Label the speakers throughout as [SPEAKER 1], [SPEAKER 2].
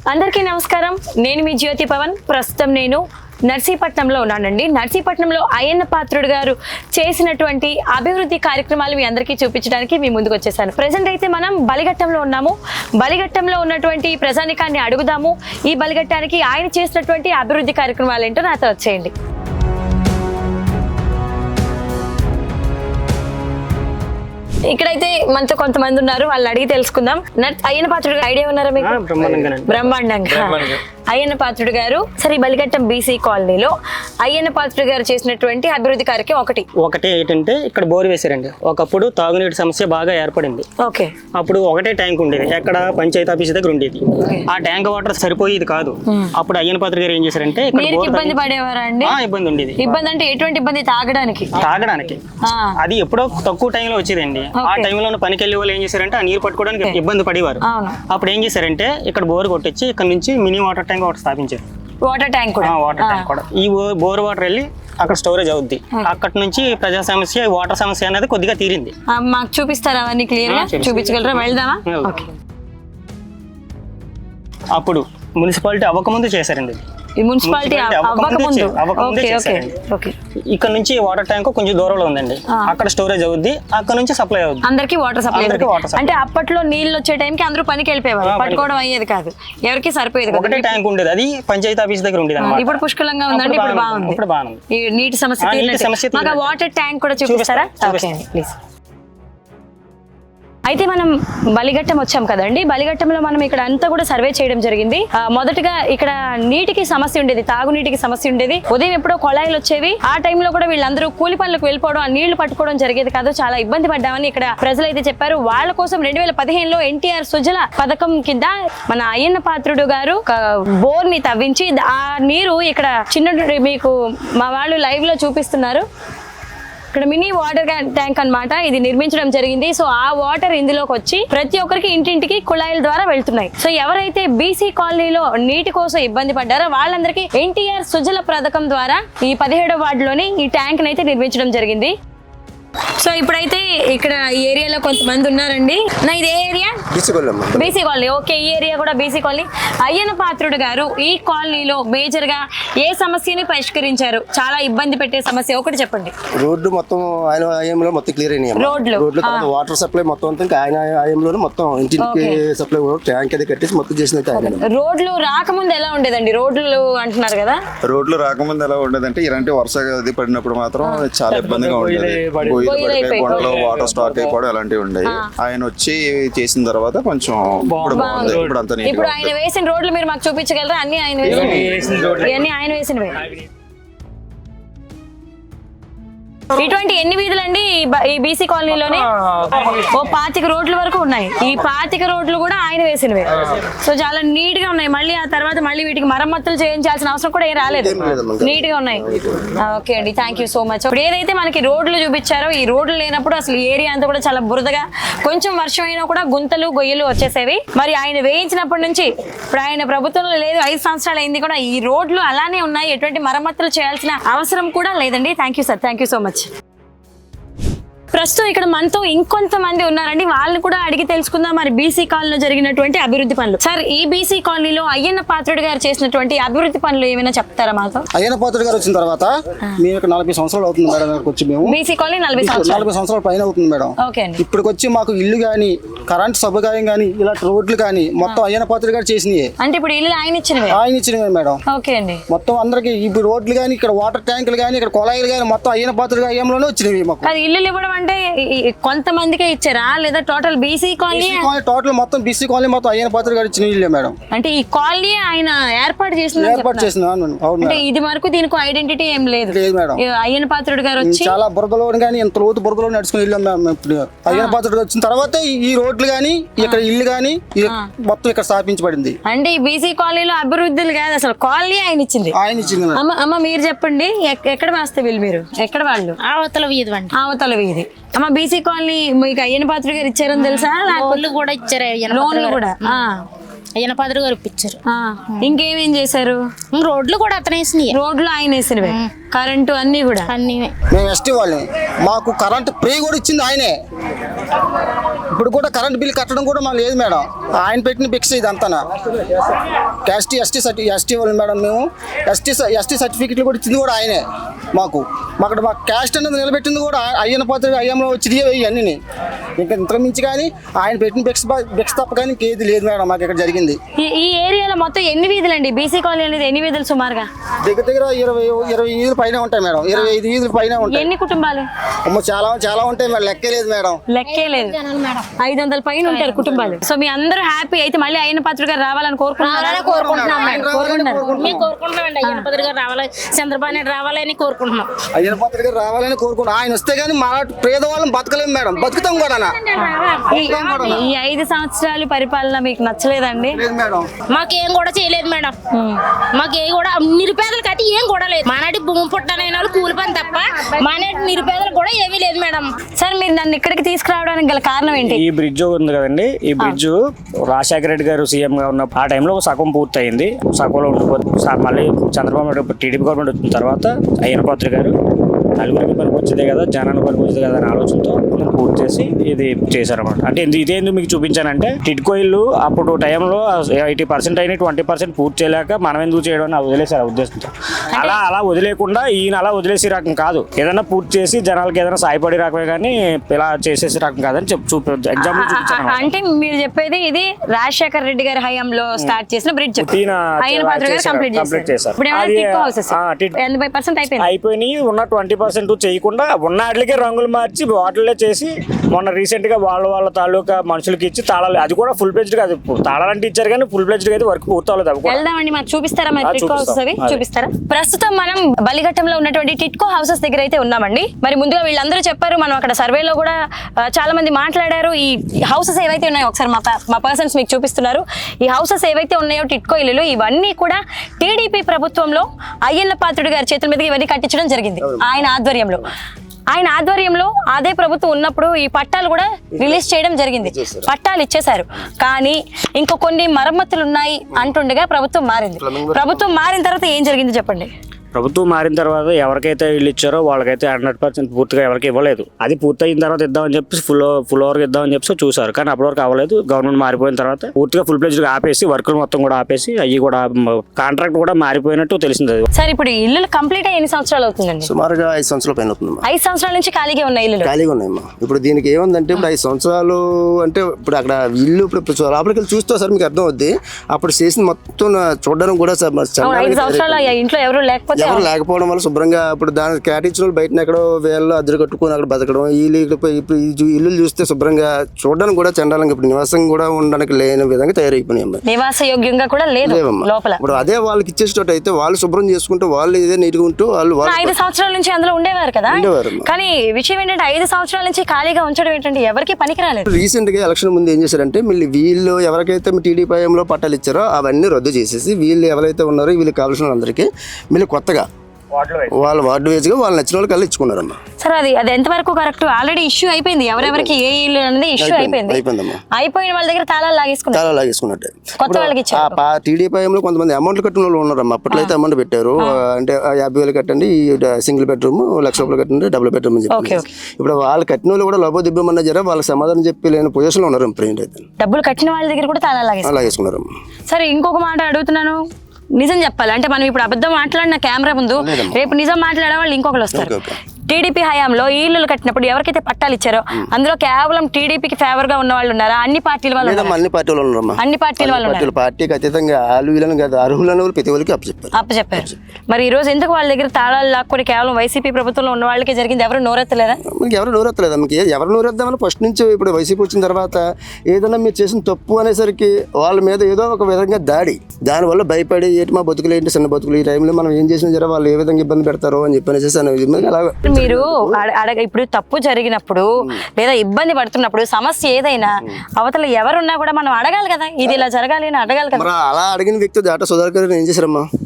[SPEAKER 1] అందరికీ నమస్కారం. నేను మీ జ్యోతి పవన్. ప్రస్తుతం నేను నర్సీపట్నంలో ఉన్నానండి. నర్సీపట్నంలో అయ్యన్న పాత్రుడు గారు చేసినటువంటి అభివృద్ధి కార్యక్రమాలు మీ అందరికీ చూపించడానికి మీ ముందుకు వచ్చేసాను. ప్రజెంట్ అయితే మనం బలిఘట్టంలో ఉన్నాము. బలిఘట్టంలో ఉన్నటువంటి ప్రజానికాన్ని అడుగుదాము. ఈ బలిఘట్టానికి ఆయన చేసినటువంటి అభివృద్ధి కార్యక్రమాలు ఏంటో నాతో వచ్చేయండి. ఇక్కడైతే మనతో కొంతమంది ఉన్నారు, వాళ్ళు అడిగి తెలుసుకుందాం. అయ్యన్న పాత్రుడు ఐడియా ఉన్నారా మీకు? బ్రహ్మాండంగా అయ్యన్న పాత్రుడు గారు సరే బలిఘట్టం బీసీ కాలనీలో అయ్యన్న పాత్రుడు గారు చేసినటువంటి అభివృద్ధి కార్యక్రమం ఒకటి
[SPEAKER 2] ఏంటంటే ఇక్కడ బోర్ వేశారండి. ఒకప్పుడు తాగునీటి సమస్య బాగా ఏర్పడింది.
[SPEAKER 1] ఓకే.
[SPEAKER 2] అప్పుడు ఒకటే ట్యాంక్ ఉండేది, ఎక్కడ పంచాయతీ ఆఫీస్ దగ్గర ఉండేది. ఆ ట్యాంక్ వాటర్ సరిపోయేది కాదు. అప్పుడు అయ్యన్న పాత్రుడు గారు ఏం చేశారంటే
[SPEAKER 1] ఇబ్బంది పడేవారా అండి?
[SPEAKER 2] ఇబ్బంది ఉండేది.
[SPEAKER 1] ఇబ్బంది అంటే ఎటువంటి ఇబ్బంది? తాగడానికి
[SPEAKER 2] అది ఎప్పుడో తక్కువ టైంలో వచ్చేదండి. ఆ టైంలో పనికి వెళ్ళే వాళ్ళు ఏం చేశారంటే ఆ నీరు పట్టుకోవడానికి ఇబ్బంది పడేవారు. అప్పుడు ఏం చేశారంటే ఇక్కడ బోర్ కొట్టించి ఇక్కడ నుంచి మినీ వాటర్ ట్యాంక్ ఒకటి స్థాపించారు.
[SPEAKER 1] వాటర్ ట్యాంక్
[SPEAKER 2] కూడా ఈ బోర్ వాటర్ వెళ్ళి అక్కడ స్టోరేజ్ అవుద్ది. అక్కడ నుంచి ప్రజా సమస్య, వాటర్ సమస్య అనేది కొద్దిగా తీరింది.
[SPEAKER 1] మాకు చూపిస్తారా అవన్నీ క్లియర్ గా? చూపించగలరా? వెళ్దామా?
[SPEAKER 2] అప్పుడు మున్సిపాలిటీ అవ్వకముందు చేశారండి.
[SPEAKER 1] ఈ మున్సిపాలిటీ అవ్వకముందు
[SPEAKER 2] ఇక్కడ నుంచి వాటర్ ట్యాంక్ కొంచెం దూరంలో ఉందండి. అక్కడ స్టోరేజ్ అవుద్ది, అక్కడ నుంచి సప్లై అవుద్ది.
[SPEAKER 1] అందరికి వాటర్ సప్లై. అంటే అప్పట్లో నీళ్ళు వచ్చే టైంకి అందరూ పనికి వెళ్ళిపోయేవారు, పట్టుకోవడం అయ్యేది కాదు, ఎవరికి సరిపోయేది.
[SPEAKER 2] ఒకటే ట్యాంక్ ఉండేది, అది పంచాయతీ ఆఫీస్ దగ్గర ఉండేది.
[SPEAKER 1] ఇప్పుడు పుష్కలంగా ఉందండి, ఇప్పుడు బాగుంది. ఈ నీటి సమస్య మాకు వాటర్ ట్యాంక్ కూడా చూపిస్తారా? ప్లీజ్. అయితే మనం బలిఘట్టం వచ్చాం కదండి. బలిఘట్టంలో మనం ఇక్కడ అంతా కూడా సర్వే చేయడం జరిగింది. మొదటగా ఇక్కడ నీటికి సమస్య ఉండేది, తాగునీటికి సమస్య ఉండేది. ఉదయం ఎప్పుడో కొళాయిలు వచ్చేవి. ఆ టైంలో కూడా వీళ్ళందరూ కూలి పనులకు వెళ్ళిపోవడం, ఆ నీళ్లు పట్టుకోవడం జరిగేది కాదు. చాలా ఇబ్బంది పడ్డామని ఇక్కడ ప్రజలైతే చెప్పారు. వాళ్ళ కోసం 2015లో ఎన్టీఆర్ సుజల పథకం కింద మన అయ్యన్న పాత్రుడు గారు బోర్ ని తవ్వించి ఆ నీరు ఇక్కడ చిన్న మీకు మా వాళ్ళు లైవ్ లో చూపిస్తున్నారు. ఇక్కడ మినీ వాటర్ ట్యాంక్ అన్నమాట, ఇది నిర్మించడం జరిగింది. సో ఆ వాటర్ ఇందులోకి వచ్చి ప్రతి ఒక్కరికి ఇంటింటికి కుళాయిల ద్వారా వెళ్తున్నాయి. సో ఎవరైతే బీసీ కాలనీలో నీటి కోసం ఇబ్బంది పడ్డారో వాళ్ళందరికీ ఎన్టీఆర్ సుజల పథకం ద్వారా ఈ 17వ వార్డులోని ఈ ట్యాంక్ అయితే నిర్మించడం జరిగింది. సో ఇప్పుడైతే ఇక్కడ ఈ ఏరియాలో కొంతమంది ఉన్నారండి. నా ఇది ఏ ఏరియా? BC colony. ఓకే, ఈ ఏరియా కూడా బీసీ కాలనీ. అయ్యన్న పాత్రుడు గారు ఈ కాలనీలో మేజర్ గా ఏ సమస్యని పరిష్కరించారు? చాలా ఇబ్బంది పెట్టే సమస్య ఒకటి చెప్పండి.
[SPEAKER 3] రోడ్డు మొత్తం ఆయన ఆయంలో మొత్తం క్లియర్ అయినాయి. రోడ్లు వాటర్ సప్లై మొత్తం ఆయన ఆయంలో మొత్తం ఇంటికి సప్లై ట్యాంక్ అది కట్టేసి మొత్తం చేసిన.
[SPEAKER 1] రోడ్లు రాకముందు ఎలా ఉండేదండి? రోడ్లు అంటున్నారు కదా,
[SPEAKER 4] రోడ్లు రాకముందు ఎలా ఉండేదంటే ఇలాంటి వర్ష అది పడినప్పుడు మాత్రం చాలా ఇబ్బందిగా ఉండేది. కొండలో వాటర్ స్టాక్ అయిపోవడం అలాంటివి ఉండేవి. ఆయన వచ్చి చేసిన తర్వాత కొంచెం ఇప్పుడు అంతా.
[SPEAKER 1] ఇప్పుడు ఆయన వేసిన రోడ్లు మీరు మాకు చూపించగలరా? అన్ని ఆయన వేసినవే. ఇటువంటి ఎన్ని వీధులు అండి ఈ బీసీ కాలనీలోనే? ఓ 25 రోడ్ల వరకు ఉన్నాయి. ఈ 25 రోడ్లు కూడా ఆయన వేసినవే. సో చాలా నీట్ గా ఉన్నాయి. మళ్ళీ ఆ తర్వాత మళ్ళీ వీటికి మరమ్మతులు చేయించాల్సిన అవసరం కూడా ఏం రాలేదు, నీట్ గా ఉన్నాయి. ఓకే అండి, థ్యాంక్ యూ సో మచ్. ఇప్పుడు ఏదైతే మనకి రోడ్లు చూపించారో ఈ రోడ్లు లేనప్పుడు అసలు ఏరియా అంతా కూడా చాలా బురదగా, కొంచెం వర్షం అయినా కూడా గుంతలు గొయ్యలు వచ్చేసేవి. మరి ఆయన వేయించినప్పటి నుంచి ఇప్పుడు ఆయన ప్రభుత్వంలో లేదు, 5 సంవత్సరాలు అయింది కూడా ఈ రోడ్లు అలానే ఉన్నాయి. ఎటువంటి మరమ్మతులు చేయాల్సిన అవసరం కూడా లేదండి. Thank you sir, thank you so much. ప్రస్తుతం ఇక్కడ మనతో ఇంకొంతమంది ఉన్నారండి, వాళ్ళని కూడా అడిగి తెలుసుకుందాం మరి బీసీ కాలనీలో జరిగినటువంటి అభివృద్ధి పనులు. సార్, ఈ బీసీ కాలనీలో అయ్యన్న పాత్రుడు గారు చేసినటువంటి అభివృద్ధి పనులు ఏమైనా చెప్తారా మాతో?
[SPEAKER 3] అయ్యన్న పాత్రుడు గారు వచ్చిన తర్వాత మేము ఇక్కడ 40 సంవత్సరాలు అవుతుంది మేడం. వచ్చి మేము
[SPEAKER 1] బీసీ కాలనీ 40
[SPEAKER 3] సంవత్సరాల పైన అవుతుంది మేడం.
[SPEAKER 1] ఓకే అండి.
[SPEAKER 3] ఇప్పటికి వచ్చి మాకు ఇల్లు గానీ, కరెంట్ సౌకర్యం గానీ, ఇలా రోడ్లు గానీ మొత్తం అయ్యన్న పాత్రుడు గారు చేసినవి.
[SPEAKER 1] అంటే ఇప్పుడు ఇల్లు ఆయన ఇచ్చినవే
[SPEAKER 3] మేడం.
[SPEAKER 1] ఓకే అండి.
[SPEAKER 3] మొత్తం అందరికి ఇప్పుడు రోడ్లు గానీ, ఇక్కడ వాటర్ ట్యాంకులు గానీ, ఇక్కడ కొళాయిలు గానీ మొత్తం అయ్యన్న పాత్రుడు అయ్యంలోనే వచ్చినవి మాకు.
[SPEAKER 1] అది ఇల్లు ఇవ్వడం అంటే కొంతమందికే ఇచ్చారా లేదా టోటల్ బీసీ కాలనీ?
[SPEAKER 3] టోటల్ మొత్తం బీసీ కాలనీ మొత్తం అయ్యన్న పాత్రుడు గారు ఇచ్చిన ఇల్లే మేడం.
[SPEAKER 1] అంటే ఈ కాలనీ ఆయన ఏర్పాటు చేసిన. అంటే ఇది వరకు దీనికి ఐడెంటిటీ ఏం లేదు
[SPEAKER 3] మేడం.
[SPEAKER 1] అయ్యన్న పాత్రుడు గారు వచ్చి
[SPEAKER 3] చాలా బురదలో కానీ ఎంత లోతు బురదలో నడుచుకుని వెళ్ళాం మేము. ఇప్పుడు అయ్యన్న పాత్రుడు వచ్చిన తర్వాత ఈ రోడ్లు గానీ, ఇక్కడ ఇల్లు గానీ మొత్తం ఇక్కడ స్థాపించబడింది.
[SPEAKER 1] అంటే ఈ బీసీ కాలనీలో అభివృద్ధులు కాదు, అసలు కాలనీ ఆయన ఇచ్చింది. అమ్మ మీరు చెప్పండి, ఎక్కడ వేస్తే వీళ్ళు మీరు ఎక్కడ వాళ్ళు?
[SPEAKER 5] అవతల
[SPEAKER 1] వీధి. అమ్మ బీసీ కాలనీ మీకు అయ్యన్న పాత్రుడు గారు ఇచ్చారని తెలుసా?
[SPEAKER 5] లోన్లు కూడా ఇచ్చారు.
[SPEAKER 1] లోన్లు కూడా
[SPEAKER 5] అయ్యన పాత్ర గారు ఇప్పించారు.
[SPEAKER 1] ఇంకేమేం చేశారు?
[SPEAKER 5] రోడ్లు కూడా అతనే వేసినాయి.
[SPEAKER 1] రోడ్లు ఆయన వేసినవే, కరెంటు అన్ని కూడా.
[SPEAKER 5] అన్ని
[SPEAKER 6] మేము ఎస్టీ వాళ్ళని, మాకు కరెంట్ ఫ్రీ కూడా ఇచ్చింది ఆయనే. ఇప్పుడు కూడా కరెంట్ బిల్ కట్టడం కూడా మాకు లేదు మేడం, ఆయన పెట్టిన భిక్ష ఇదంతా. ఎస్టీ వాళ్ళు మేడం, మేము ఎస్టీ సర్టిఫికెట్లు కూడా ఇచ్చింది కూడా ఆయనే మాకు. మాకు క్యాస్ట్ అనేది నిలబెట్టింది కూడా అయ్యన పాత్ర అయ్యంలో వచ్చినాయి ఇవన్నీ. ఇంకా ఇంతకు మించి కానీ ఆయన పెట్టిన భిక్ష తప్ప కానీ ఇంకేది లేదు మేడం మాకు ఇక్కడ జరిగింది.
[SPEAKER 1] ఈ ఏరియాలో మొత్తం ఎన్ని వీధులు అండి? బీసీ కాలనీ అనేది ఎన్ని వీధులు సుమారుగా?
[SPEAKER 6] దగ్గర 20 వీధుల పైన ఉంటాయి మేడం, 25 వీధుల పైన ఉంటాయి.
[SPEAKER 1] ఎన్ని కుటుంబాలు?
[SPEAKER 6] చాలా ఉంటాయి మేడం, లెక్కే లేదు మేడం.
[SPEAKER 1] లెక్కే లేదు, 500 పైన ఉంటారు కుటుంబాలు. సో మీ అందరూ హ్యాపీ అయితే మళ్ళీ అయ్యన పాత్ర గారు రావాలని కోరుకుంటున్నాం.
[SPEAKER 5] కోరుకుంటున్నామండి. అయ్యన పాత్ర గారు రావాలి, చంద్రబాబు నాయుడు రావాలని కోరుకుంటున్నాం.
[SPEAKER 6] అయ్యన పాత్ర గారు రావాలని కోరుకుంటున్నాం. ఆయన వస్తే గానీ మా పేదవాళ్ళం బతకలేము మేడం, బతుకుతాం కూడా.
[SPEAKER 1] ఈ 5 సంవత్సరాలు పరిపాలన మీకు నచ్చలేదండి?
[SPEAKER 5] మాకేం కూడా చేయలేదు మేడం, మాకేం కూడా నిరుపేదలకు అయితే ఏం కూడా లేదు. మానాటి భూమి పుట్టనైన వాళ్ళు కూలి పని తప్ప మానాటి నిరుపేదలకు కూడా ఏమీ లేదు మేడం.
[SPEAKER 1] సార్ మీరు నన్ను ఇక్కడికి తీసుకురావడానికి గల కారణం ఏంటి?
[SPEAKER 7] ఈ బ్రిడ్జ్ ఉంది కదండి, ఈ బ్రిడ్జ్ రాజశేఖర రెడ్డి గారు సీఎం గా ఉన్న ఆ టైంలో సగం పూర్తి అయింది. సగంలో మళ్ళీ చంద్రబాబు నాయుడు టీడీపీ గవర్నమెంట్ వచ్చిన తర్వాత అయ్యన పాత్ర గారు నలుగురికి పనికి వచ్చేదే కదా, జనానికి పనికి వచ్చేది కదా అనే ఆలోచనతో పూర్తి చేసి ఇది చేశారన్నమాట. అంటే ఇదేందుకు మీకు చూపించానంటే, టిడ్కో ఇల్లు అప్పుడు టైంలో 80% అయినా 20% పూర్తి చేయలేక మనం ఎందుకు చేయడం అని వదిలేసారు ఉద్దేశంతో. అలా వదిలేకుండా ఈయన అలా వదిలేసే రకం కాదు, ఏదైనా పూర్తి చేసి జనాలకి ఏదైనా సాయపడే రకమే కానీ ఇలా చేసేసే రకం కాదని ఎగ్జాంపుల్ చూపించాను.
[SPEAKER 1] అంటే మీరు చెప్పేది ఇది రాజశేఖర రెడ్డి గారి హయాంలో స్టార్ట్ చేసిన బ్రిడ్జ్, అయ్యన పాత్ర గారు కంప్లీట్ చేశారు. ఇప్పుడు 80%
[SPEAKER 7] అయిపోయినాయి. ఉన్న 20% చేయకుండా ఉన్న వాటికే రంగులు మార్చి వాటిల్లో చేసి మొన్న రీసెంట్ గా వాళ్ళ తాలూకా మనుషులకి ఇచ్చి తాళాలు, అది కూడా ఫుల్ ప్లెజ్డ్ కాదు, తాళాలంటే ఇచ్చారు కానీ ఫుల్ ప్లెజ్డ్ అయితే వర్క్ పూర్తవలేదు.
[SPEAKER 1] వెళ్దామండి, మాకు చూపిస్తారా? మరి టిట్కో హౌసెస్ అవి చూపిస్తారా? ప్రస్తుతం మనం బలిఘట్టంలో ఉన్నటువంటి టిట్కో హౌసెస్ దగ్గర అయితే ఉన్నామండి. మరి ముందుగా వీళ్ళందరూ చెప్పారు, మనం అక్కడ సర్వేలో కూడా చాలా మంది మాట్లాడారు. ఈ హౌసెస్ ఏవైతే ఉన్నాయో ఒకసారి మా పర్సన్స్ మీకు చూపిస్తున్నారు. ఈ హౌసెస్ ఏవైతే ఉన్నాయో టిట్కో ఇల్లులు, ఇవన్నీ కూడా టీడీపీ ప్రభుత్వంలో అయ్యన్న పాత్రుడు గారి చేతుల మీదకి ఇవన్నీ కట్టించడం జరిగింది. ఆయన ఆధ్వర్యంలో అదే ప్రభుత్వం ఉన్నప్పుడు ఈ పట్టాలు కూడా రిలీజ్ చేయడం జరిగింది, పట్టాలు ఇచ్చేశారు. కానీ ఇంకో కొన్ని మరమ్మతులు ఉన్నాయి అంటుండగా ప్రభుత్వం మారింది. ప్రభుత్వం మారిన తర్వాత ఏం జరిగింది చెప్పండి?
[SPEAKER 7] ప్రభుత్వం మారిన తర్వాత ఎవరికైతే ఇల్లు ఇచ్చారో వాళ్ళకైతే 100% పూర్తిగా ఎవరికి ఇవ్వలేదు. అది పూర్తయిన తర్వాత ఇద్దామని చెప్పి ఫుల్ ఓవర్ ఇద్దామని చెప్పి చూసారు, కానీ అప్పటి వరకు అవ్వలేదు. గవర్నమెంట్ మారిపోయిన తర్వాత పూర్తిగా ఫుల్ ప్లేజ్గా ఆపేసి వర్కులు మొత్తం కూడా ఆపేసి అవి కూడా కాంట్రాక్ట్ కూడా మారిపోయినట్టు తెలిసింది.
[SPEAKER 1] సార్ ఇప్పుడు ఇల్లు కంప్లీట్ అయ్యి ఎన్ని సంవత్సరాలు అవుతుందండి?
[SPEAKER 3] సుమారుగా 5 సంవత్సరాల పైన అవుతుంది.
[SPEAKER 1] 5 సంవత్సరాల నుంచి ఖాళీగా ఉన్నాయి ఇల్లు,
[SPEAKER 3] ఖాళీగా ఉన్నాయమ్మా. ఇప్పుడు దీనికి ఏముందంటే, ఇప్పుడు 5 సంవత్సరాలు అంటే ఇప్పుడు అక్కడ ఇల్లు ఇప్పుడు లోపలికి వెళ్ళి చూస్తే సార్ మీకు అర్థం అవుద్ది. అప్పుడు చేసిన మొత్తం చూడడానికి కూడా
[SPEAKER 1] 5 సంవత్సరాలు ఇంట్లో ఎవరు
[SPEAKER 3] లేకపోవడం వల్ల శుభ్రంగా ఇప్పుడు దానికి కేటాయించిన వాళ్ళు బయట ఎక్కడో వేళ్ళు అద్దరు కట్టుకుని అక్కడ బతకడం, ఇప్పుడు ఇల్లు చూస్తే శుభ్రంగా చూడడానికి కూడా చండాలంగా ఇప్పుడు నివాసం కూడా ఉండడానికి లేని విధంగా తయారైపోయినాయి.
[SPEAKER 1] నివాస యోగ్యంగా కూడా లేదు లోపల.
[SPEAKER 3] ఇప్పుడు అదే వాళ్ళకి ఇచ్చేటట్టు అయితే వాళ్ళు శుభ్రం చేసుకుంటూ వాళ్ళు ఇదే నీట్గా ఉంటూ వాళ్ళు
[SPEAKER 1] 5 సంవత్సరాల నుంచి అందులో ఉండేవారు కదా. కానీ విషయం ఏంటంటే 5 సంవత్సరాల నుంచి ఖాళీగా ఉంచడం ఏంటంటే ఎవరికి పనికి రాలేదు.
[SPEAKER 3] రీసెంట్ గా ఎలక్షన్ ముందు ఏం చేశారంటే, మళ్ళీ వీళ్ళు ఎవరికైతే టీడీపీ హయాంలో పట్టాలు ఇచ్చారో అవన్నీ రద్దు చేసేసి వీళ్ళు ఎవరైతే ఉన్నారో వీళ్ళకి కావాల్సిన వాళ్ళందరికీ మళ్ళీ కొత్తగా వాళ్ళ వార్డు వేజ్గా వాళ్ళు నచ్చిన వాళ్ళకి వెళ్ళి ఇచ్చుకున్నారమ్మా.
[SPEAKER 1] సార్ అది ఎంతవరకు కరెక్ట్? ఆల్రెడీ ఇష్యూ అయిపోయింది, ఎవరెవరికి ఏ ఇల్లు అనేది ఇష్యూ అయిపోయిందమ్మా. అయిపోయిన వాళ్ళ దగ్గర తాళాలు లాగేసుకున్నట్టు కొత్త వాళ్ళకి ఇచ్చారు.
[SPEAKER 3] టీడీపీ హయాంలో కొంతమంది అమౌంట్లు కట్టిన వాళ్ళు ఉన్నారమ్మా. అప్పట్లో అయితే అమౌంట్ పెట్టారు, అంటే 50,000 కట్టండి సింగిల్ బెడ్రూమ్, 1,00,000 కట్టండి డబుల్ బెడ్రూమ్ అని చెప్పి. ఇప్పుడు వాళ్ళు కట్టిన వాళ్ళు కూడా లభో దిబ్బమన్నా జర వాళ్ళకి సమాధానం చెప్పి లేని పొజిషన్ లో ఉన్నారు.
[SPEAKER 1] డబ్బులు కట్టిన వాళ్ళ దగ్గర కూడా తాళాలు లాగేసుకున్నారమ్మా. సరే ఇంకొక మాట అడుగుతున్నాను, నిజం చెప్పాలి అంటే మనం ఇప్పుడు అబద్ధం మాట్లాడిన కెమెరా ముందు రేపు నిజం మాట్లాడే వాళ్ళు ఇంకొకరు వస్తారు. టీడీపీ హయాంలో ఈ ఇల్లు కట్టినప్పుడు ఎవరికైతే పట్టాలు ఇచ్చారో అందులో కేవలం టీడీపీకి ఫేవర్ గా ఉన్న వాళ్ళు ఉన్నారా? అన్ని పార్టీల వాళ్ళు
[SPEAKER 3] అన్ని పార్టీల వాళ్ళు
[SPEAKER 1] అన్ని పార్టీల వాళ్ళు
[SPEAKER 3] పార్టీకి అతీతంగా అర్హులను ప్రతి ఒక్కరికి
[SPEAKER 1] అప్పచెప్పారు. మరి ఈ రోజు ఎందుకు వాళ్ళ దగ్గర తాళాలు లాక్కొని కేవలం వైసీపీ ప్రభుత్వంలో ఉన్న వాళ్ళకి జరిగింది? ఎవరు నోరెత్తలేదా?
[SPEAKER 3] ఎవరు నోరెత్తలేదా? మీకు ఎవరు నోరెద్దామని ఫస్ట్ నుంచి ఇప్పుడు వైసీపీ వచ్చిన తర్వాత ఏదైనా మీరు చేసిన తప్పు అనేసరికి వాళ్ళ మీద ఏదో ఒక విధంగా దానివల్ల భయపడి ఏంటి మా బతుకులు ఏంటి చిన్న బతుకులు ఈ టైంలో మనం ఏం చేసినా జర వాళ్ళు ఏ విధంగా ఇబ్బంది పెడతారో అని చెప్పి అలాగే
[SPEAKER 1] మీరు ఇప్పుడు తప్పు జరిగినప్పుడు లేదా ఇబ్బంది పడుతున్నప్పుడు సమస్య ఏదైనా అవతల ఎవరున్నా కూడా మనం అడగాలి కదా, ఇది ఇలా జరగాలి అని అడగాలి కదా.
[SPEAKER 3] అలా అడిగిన వ్యక్తి దాట సుధాకర్ ఏం చేశారమ్మా?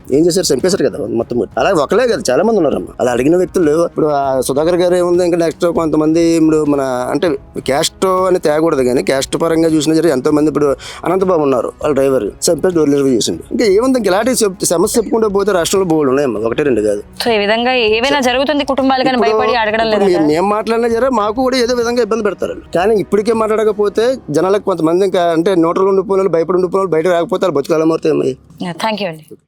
[SPEAKER 3] ఏం చేశారు, చంపేశారు కదా మొత్తం. అలాగే ఒకలే కదా, చాలా మంది ఉన్నారమ్మా అలా అడిగిన వ్యక్తులు. ఇప్పుడు ఆ సుధాకర్ గారు ఏముంది, ఇంకా నెక్స్ట్ కొంతమంది ఇప్పుడు మన అంటే క్యాస్ట్ అని తేగకూడదు కానీ క్యాస్ట్ పరంగా చూసినా సరే ఎంతో మంది. ఇప్పుడు అనంతబాబు ఉన్నారు, వాళ్ళ డ్రైవర్ చంపేసి డోర్ డెలివరీ చేసింది. ఇంకా ఏముంది, ఇంకా ఇలాంటి సమస్య చెప్పుకుంటూ పోతే రాష్ట్రంలో బోర్డు ఉన్నాయమ్మా, 1-2 కాదు.
[SPEAKER 1] సో ఈ విధంగా ఏమైనా జరుగుతుంది కుటుంబాలు కానీ భయపడి అడగడం లేదు.
[SPEAKER 3] మేము మాట్లాడినా సరే మాకు కూడా ఏదో విధంగా ఇబ్బంది పెడతారు. కానీ ఇప్పటికే మాట్లాడకపోతే జనాలకు కొంతమంది ఇంకా అంటే నోట్లో ఉండిపోయిన వాళ్ళు, భయపడి ఉండిపోయిన వాళ్ళు బయట రాకపోతే వాళ్ళు బతుకాలమవుతాయి.
[SPEAKER 1] థ్యాంక్ యూ అండి.